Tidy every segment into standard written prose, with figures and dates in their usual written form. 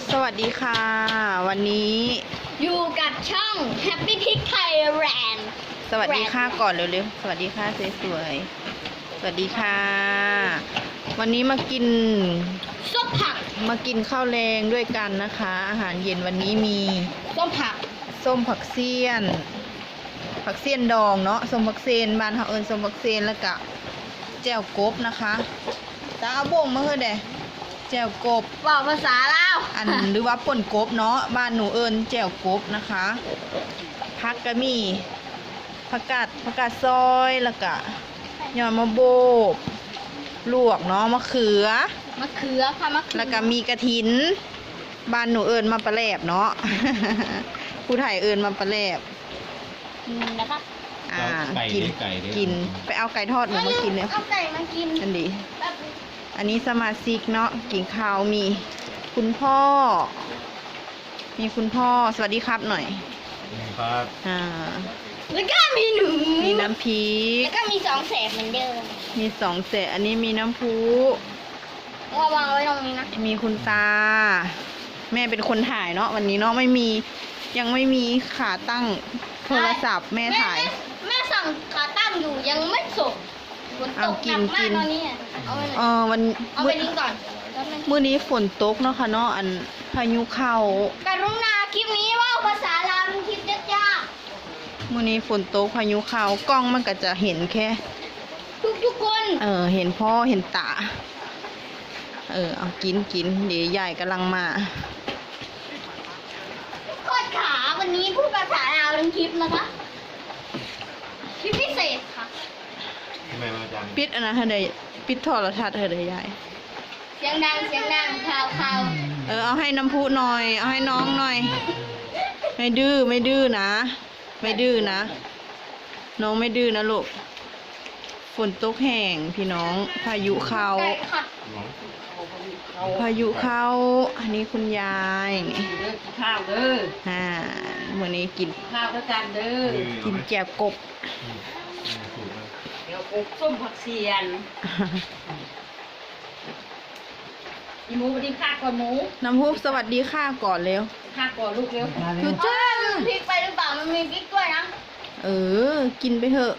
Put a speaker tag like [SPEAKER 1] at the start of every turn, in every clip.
[SPEAKER 1] สวัสดีค่ะ วันนี้
[SPEAKER 2] อยู่กับช่อง Happy Pig Thailand
[SPEAKER 1] สวัสดีค่ะก่อนเร็วๆสวัสดีค่ะสวยๆสวัสดีค่ะ วันนี้มากิน
[SPEAKER 2] ส้มผัก
[SPEAKER 1] ข้าวแรงด้วยกันนะคะ อาหารเย็นวันนี้มี
[SPEAKER 2] ส้มผัก
[SPEAKER 1] ส้มผักเสี้ยน ดองเนาะส้มผักเสี้ยนบ้านเขาเอิญส้มผักเสี้ยนแล้วก็แจ่วกบนะคะตาเอาบ่งมาเฮ้ยเด้แจ่วกบ
[SPEAKER 2] บอกภาษาลาว
[SPEAKER 1] อันหรือว่าป่นกบเนาะบ้านหนูเอิญแจ่วกบนะคะผักก็มีผักกาดซอยแล้วก็ยอดมะโบกลวกเนาะมะเขือ
[SPEAKER 2] มะเขือค่ะมะเขือ
[SPEAKER 1] แล้วก็มีกระถินบ้านหนูเอิญมาปลาแหลบเนาะ ผู้ไทยเอิญมาปลาแหลบ
[SPEAKER 2] นะครับ
[SPEAKER 1] กินไปเอาไก่ทอดหนูมากินเลย
[SPEAKER 2] เอาไก่มากิน
[SPEAKER 1] อันดี
[SPEAKER 2] แป๊บ
[SPEAKER 1] อันนี้สมาชิกเนาะกินข้าวมีคุณพ่อ สวัสดีครับหน่อย
[SPEAKER 3] ครับ
[SPEAKER 2] แล้วก็มีหนู
[SPEAKER 1] มีน้ำพริก
[SPEAKER 2] แล้วก็มี2 แสบเหมือนเดิม
[SPEAKER 1] มี2 เศษอันนี้มีน้ำพุ
[SPEAKER 2] วางไว้ตรงนี้นะ
[SPEAKER 1] มีคุณตา แม่เป็นคนถ่ายเนาะวันนี้เนาะยังไม่มีขาตั้งโทรศัพท์แม่ถ่าย
[SPEAKER 2] แม่สั่งขาตั้งอยู่ยังไม่ส่งฝนต
[SPEAKER 1] เอา
[SPEAKER 2] ก
[SPEAKER 1] กิ
[SPEAKER 2] หนั
[SPEAKER 1] น
[SPEAKER 2] กมาก
[SPEAKER 1] กิน
[SPEAKER 2] ตอนนี้อะเอาไปหน่อย
[SPEAKER 1] วัน
[SPEAKER 2] เอาไปทิ้งก่อนแป๊บนึง
[SPEAKER 1] มื้อนี้ฝนตกเนาะค่ะเนาะอันพายุเข้าก
[SPEAKER 2] รุณาคลิปนี้ว่าภาษาลาวเป็นคลิปยาก
[SPEAKER 1] มื้อนี้ฝนตกพายุเข้ากล้องมันก็จะเห็นแค่
[SPEAKER 2] ๆทุกคน
[SPEAKER 1] เห็นพ่อเห็นตาเอากินเดี๋ยวยายกำลังมา
[SPEAKER 2] โคตรขาวันนี้พูดภาษาลาวเป็นคลิปนะคะคลิปพิเศษค่ะ
[SPEAKER 3] ทำไมมาจัง
[SPEAKER 1] ปิดอันนั้นให้ได้ปิดโทรทัศน์ให้ได้ยาย
[SPEAKER 2] เสียงดังข่าว
[SPEAKER 1] เอาให้น้ำพุหน่อย เอาให้น้องหน่อย ไม่ดื้อนะ ไม่ดื้อนะ น้องไม่ดื้อนะลูก ฝนตกแห้งพี่น้อง พายุเข้า
[SPEAKER 2] ไก่ค่ะ
[SPEAKER 1] อันนี้คุณยายนี่
[SPEAKER 4] เด้อกินข้าวเด้อ
[SPEAKER 1] มื้อนี้กิน
[SPEAKER 4] ข้าวด้วยกันเด้อ
[SPEAKER 1] กินแกบกบ
[SPEAKER 4] เดี๋ยวปลูกส้มผักเสียนอีหมูไปดิข้าก่อนหมู
[SPEAKER 1] น้ำพุสวัสดีค่ะก่อนเร็ว
[SPEAKER 4] ข้าก่อนลูกเร็ว
[SPEAKER 1] คือจ้า
[SPEAKER 2] ลืมพริกไปหรือเปล่ามันมีพริกด้วยนะ
[SPEAKER 1] กินไปเถอะ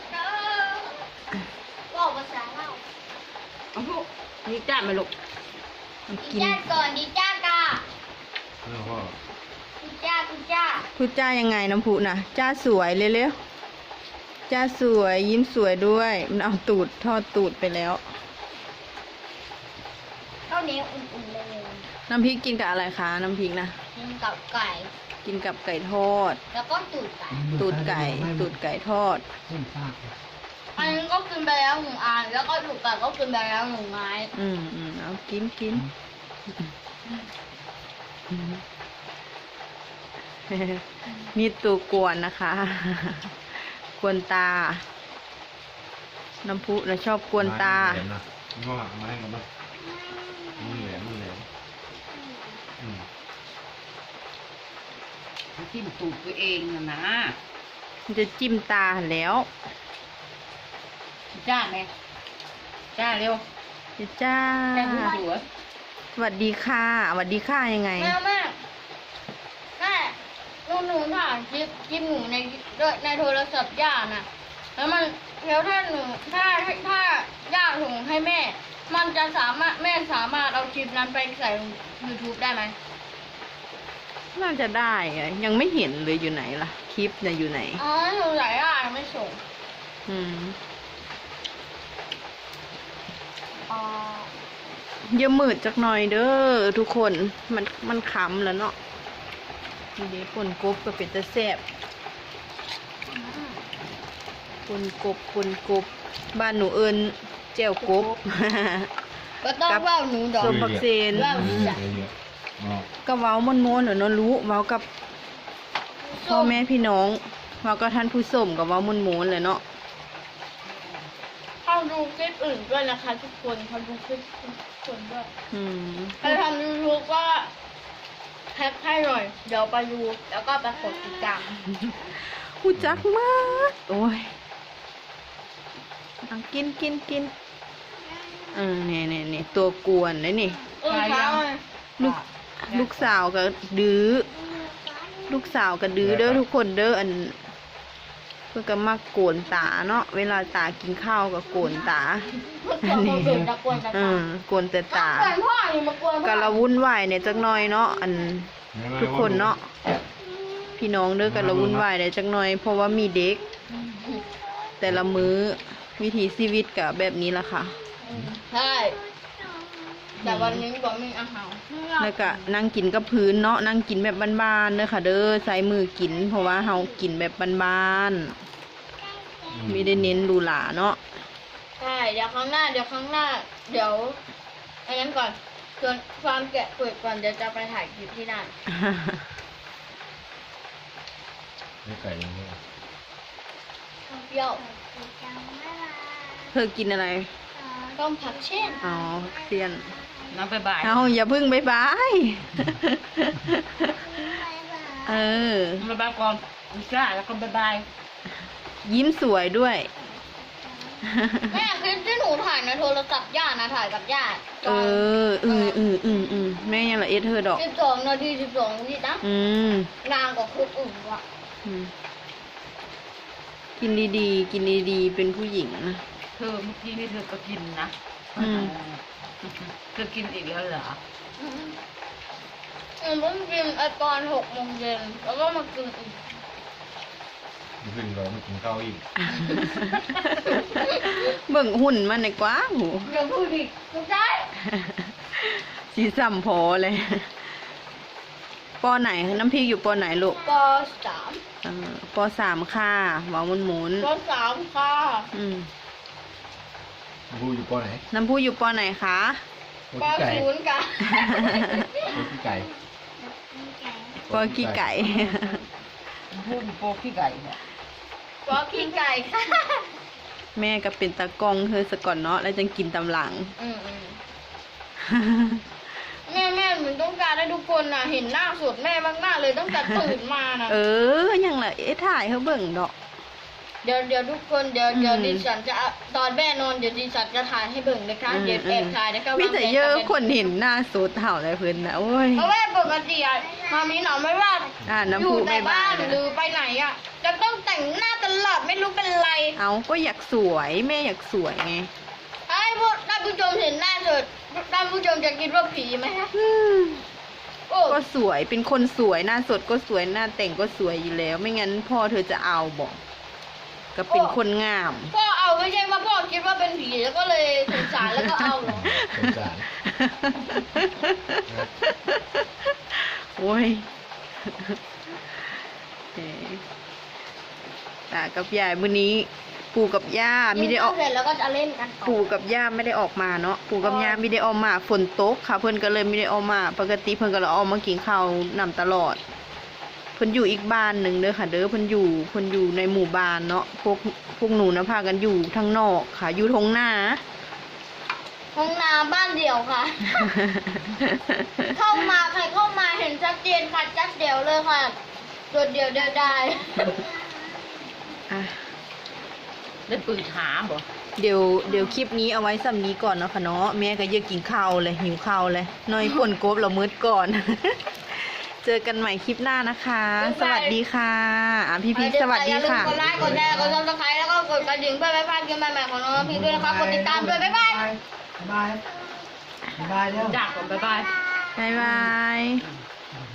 [SPEAKER 2] บอกภาษาลาว
[SPEAKER 4] เอาลูกนี่จ้ามาลูก
[SPEAKER 1] เอา
[SPEAKER 2] ดี
[SPEAKER 1] กิน
[SPEAKER 2] จ้าก่อนดีจ้ากา
[SPEAKER 3] แล้วพ่อ
[SPEAKER 2] ดีจ้าดีจ้า
[SPEAKER 1] พูดจ้ายังไงน้ำพุนะจ้าสวยเร็วๆจ้าสวยยิ้มสวยด้วย มันเอาตูดทอดตูดไปแล้ว
[SPEAKER 2] ข้าวเหนียวอุ่นๆเลย
[SPEAKER 1] น้ำพริกกินกับอะไรคะน้ำพริกนะ
[SPEAKER 2] กินกับไก่
[SPEAKER 1] กินกับไก่ทอด
[SPEAKER 2] แล้วก็ตูดไก่
[SPEAKER 1] ตูดไก่ทอด
[SPEAKER 2] อันนี้ก็กินไปแล้ว1 อันแล้วก็ตูดไก่ก็กินไปแล้ว1 ไม้
[SPEAKER 1] เอากินนี่ตัวกวนนะคะ กวนตา น้ำพุนะชอบกวนตา
[SPEAKER 3] แหลมนะงอกมาให้กันบ้างมันแหลม
[SPEAKER 4] จิ้มตูดตัวเองนะ
[SPEAKER 1] มันจะจิ้มตาแล้ว
[SPEAKER 4] จ้าไหมจ้าเร็ว
[SPEAKER 1] จ้า
[SPEAKER 4] จ้าหัว
[SPEAKER 1] สวัสดีค่ะยังไง
[SPEAKER 2] แม่หนูถ่ายคลิปหนูในโทรศัพท์ย่าน่ะแล้วถ้าย่าส่งให้แม่ มันจะแม่สามารถเอาคลิปนั้นไปใส่ YouTube ได้ไหม
[SPEAKER 1] น่าจะได้อะยังไม่เห็นเลยอยู่ไหนล่ะ คลิปเนี่ยอยู่ไหน
[SPEAKER 2] อ๋อหนูใส่ย่ายังไม่ส่ง
[SPEAKER 1] อืม
[SPEAKER 2] อ๋อ
[SPEAKER 1] เยอะมืดจักหน่อยเด้อทุกคนมันขำแล้วเนาะนี่เด้ป่นกบก็เป็นตะแซ่บป่นกบบ้านหนูเอิญแจ่วกบ
[SPEAKER 2] ก็ต้องเล่าหนูดอก
[SPEAKER 1] ส้มผักเซน
[SPEAKER 3] เยอะงอก
[SPEAKER 1] ก็เว้ามันโมนๆเนาะรู้เว้ากับพ่อแม่พี่น้องเว้ากับท่านผู้ชมกับเว้ามันโมนๆเลยเนาะ
[SPEAKER 2] เขาดูคลิปอื่นด้วยนะคะทุกคนเขาดูคลิปทุกคนด้วย ใครทำ YouTube ก็แท็กให้หน่อย เดี๋ยวไปดูแล้วก็ไปกดติดตาม
[SPEAKER 1] หูจักมากโอ้ยเอากินเนี่ยตัวกวนเลยนี่
[SPEAKER 2] ครับ
[SPEAKER 1] ลูกลูกสาวก็ดื้อลูกสาวก็ดื้อเด้อทุกคนเด้ออันเพื่อก็มักโกนตาเนาะเวลาตากินข้าวก็โกนตา
[SPEAKER 2] ตอนเราเกิดตะกวนตะ
[SPEAKER 1] อื
[SPEAKER 2] ตาม
[SPEAKER 1] โกนแต่ตา
[SPEAKER 2] กวนพ่อนี่มากวนพ่
[SPEAKER 1] ก็
[SPEAKER 2] อ
[SPEAKER 1] ละวุ่นวายเนี่ยจักหน่อยเนาะอันทุกคนเนาะพี่น้องเด้อก็ละวุ่นวายเนี่ยจักหน่อย เพราะว่ามีเด็ก แต่ละมื้อวิถีชีวิตก็แบบนี้ละค่ะ
[SPEAKER 2] ใช่แต่วันนี้บอกมีอาหาร
[SPEAKER 1] แล้วก็นั่งกินกับพื้นเนาะนั่งกินแบบบ้านๆเด้อค่ะ เด้อใช้มือกิน เพราะว่าเฮากินแบบบ้านๆไม่ได้เน้นหรูหราเนาะ
[SPEAKER 2] ใช่เดี๋ยวครั้งหน้าเดี๋ยวอันนั้นก่อนส่วนฟาร์มแกะเปิดก่อนเดี๋ยวจะไปถ่ายคลิปที่นั่น
[SPEAKER 3] ไม่ไก่ยังไง
[SPEAKER 2] เปรี้ยว
[SPEAKER 1] เธอกินอะไร
[SPEAKER 2] ต้มผักเช่น
[SPEAKER 1] อ๋อเซียน
[SPEAKER 4] น้ำไปบ่าย
[SPEAKER 1] เอาอย่าพึ่งบ๊ายบาย เออ
[SPEAKER 4] น้ำไปบ่ายก่อนอุจ้าแล้วก็บ๊ายบาย
[SPEAKER 1] ยิ้มสวยด้วย
[SPEAKER 2] แม่คลิปที่หนูถ่ายนะโทรศัพท์ย่านะถ่ายกับย่า
[SPEAKER 1] เออแม่ยังละเอ็ดเธอดอก
[SPEAKER 2] 12 นาที 12 นาทีนะ
[SPEAKER 1] อืม
[SPEAKER 2] นานกว่าคลิปอื่นว่ะ
[SPEAKER 1] อืมกินดีๆ กินดีๆ เป็นผู้หญิงนะ
[SPEAKER 4] เธอเมื่อกี้นี่เธอก็กินนะ
[SPEAKER 1] อืม
[SPEAKER 4] เธอกินอีกแล้วเหรอ
[SPEAKER 2] หนูเพิ่งกินตอน 6 โมงเย็นแล้วก็มากินอีก
[SPEAKER 3] ขึ้นเราไม่กินข้าวอีก
[SPEAKER 1] เบิ่งหุ่นมันในกว้างหู
[SPEAKER 2] เดี๋ยวพูดอีกไม่ได้
[SPEAKER 1] สีสัมพอเลย ปอไหน น้ำพริกอยู่ปอไหนลูก
[SPEAKER 2] ป .3
[SPEAKER 1] ปอ3ค่ะหวานหมุน
[SPEAKER 2] ป .3 ค่ะ
[SPEAKER 1] ๆอืม
[SPEAKER 3] บูอยู่ปอไหน
[SPEAKER 1] น้ำพูอยู่ปอไหนคะ
[SPEAKER 3] ปอ
[SPEAKER 2] ป
[SPEAKER 3] ขี้ไก่
[SPEAKER 2] .0 ค่ะ
[SPEAKER 3] ปอขี้ไก่
[SPEAKER 1] ปอกี้ไก่
[SPEAKER 4] พูดโปขี้ไก่เนี่ย
[SPEAKER 2] ปขี้ไก่ค่ะ
[SPEAKER 1] แม่ก็เป็นตากล้องเธอสะก่อนเนาะแล้วจังกินตำหลัง
[SPEAKER 2] แม่เหมือนต้องการให้ทุกคนน่ะ เห็นหน้าสดแม่มากๆเลยตั้งแต่ตื่นมานะ
[SPEAKER 1] เออยังละถ่ายเขาเบิ่งดอก
[SPEAKER 2] เดี๋ยวทุกคนเดี๋ยว
[SPEAKER 1] อืม
[SPEAKER 2] ดิฉันจะตอนแม่นอนเดี๋ยวดิฉันจะถ่ายให้เบิ่งนะคะเดี๋ยวแอบถ่ายนะคะ
[SPEAKER 1] มีแต่เยอะ
[SPEAKER 2] วางแผ
[SPEAKER 1] คนเห็นหน้าสดเห่าอะไรเพิ่นนะโอ้ย
[SPEAKER 2] เพราะว่าปกติอะมามีหนอไม่ว่า
[SPEAKER 1] น้ำ
[SPEAKER 2] อ
[SPEAKER 1] พุ
[SPEAKER 2] ยู่แต่
[SPEAKER 1] ไม่บา
[SPEAKER 2] บ้าน
[SPEAKER 1] น
[SPEAKER 2] หรือไปไหนอะจะต้องแต่งหน้าตลอดไม่รู้เป็นไร
[SPEAKER 1] เอาก็อยากสวยแม่อยากสวยไง
[SPEAKER 2] ให้พวกท่านผู้ชมเห็นหน้าสดท่านผู้ชมจะคิดว่าผีไหมคะ
[SPEAKER 1] อืม
[SPEAKER 2] โอ้
[SPEAKER 1] ก็สวยเป็นคนสวยหน้าสดก็สวยหน้าแต่งก็สวยอยู่แล้ว ไม่งั้นพ่อเธอจะเอาบอกก็เป็นคนงาม
[SPEAKER 2] พ่อเอาไม่ใช่ว่าพ่อคิดว่าเป็นผีแล้วก็เลยสงสารแล้วก็เอาเหรอ
[SPEAKER 3] สงสาร
[SPEAKER 1] โอ้ยตากับยายมื้อนี้ ปู่กับย่าไม่ได้ออก
[SPEAKER 2] กินข้าวเสร็จแล้วก็จะเล่นกันต่อ
[SPEAKER 1] ปู่กับย่าไม่ได้ออกมาเนาะปู่กับย่าไม่ได้ออกมาฝนตกค่ะ เพิ่นก็เลยไม่ได้ออกมา ปกติเพิ่นก็เลยออกมากินข้าวนำตลอด เพิ่นอยู่อีกบ้านหนึ่งเด้อค่ะ เด้อเพิ่นอยู่ในหมู่บ้านเนาะพวกหนูนะพากันอยู่ทางนอกค่ะ อยู่ทงหน้า
[SPEAKER 2] ห้องน้ำบ้านเดี่ยวค่ะ เข้ามาใครเข้ามาเห็นชัดเจนค่ะชัดเดี่ยวเลยค่ะตัวเดียวเดียวได้
[SPEAKER 1] อ่ะ
[SPEAKER 4] ได้ปืนหาบ่
[SPEAKER 1] เดี๋ยวคลิปนี้เอาไว้สำนี้ก่อนเนาะค่ะเนาะแม่ก็เยอะกินข้าวเลยหิวข้าวเลยน้อยป่นกบเรามืดก่อน เจอกันใหม่คลิปหน้านะคะ สวัสดีค่ะพี่สวัสดีค่ะ
[SPEAKER 2] อย่าลืมกดไลค์กดแชร์กดซับสไครต์แล้วก็กดกระดิ่งเพื่อไม่พลาดคลิปใหม่ๆของน้องพี่ด้วยนะคะกดติดตามด้วยบ๊ายบาย
[SPEAKER 3] บ๊ายบายบ๊ายบายเร็ว
[SPEAKER 4] จากก่อนบ๊ายบาย
[SPEAKER 1] บ๊ายบาย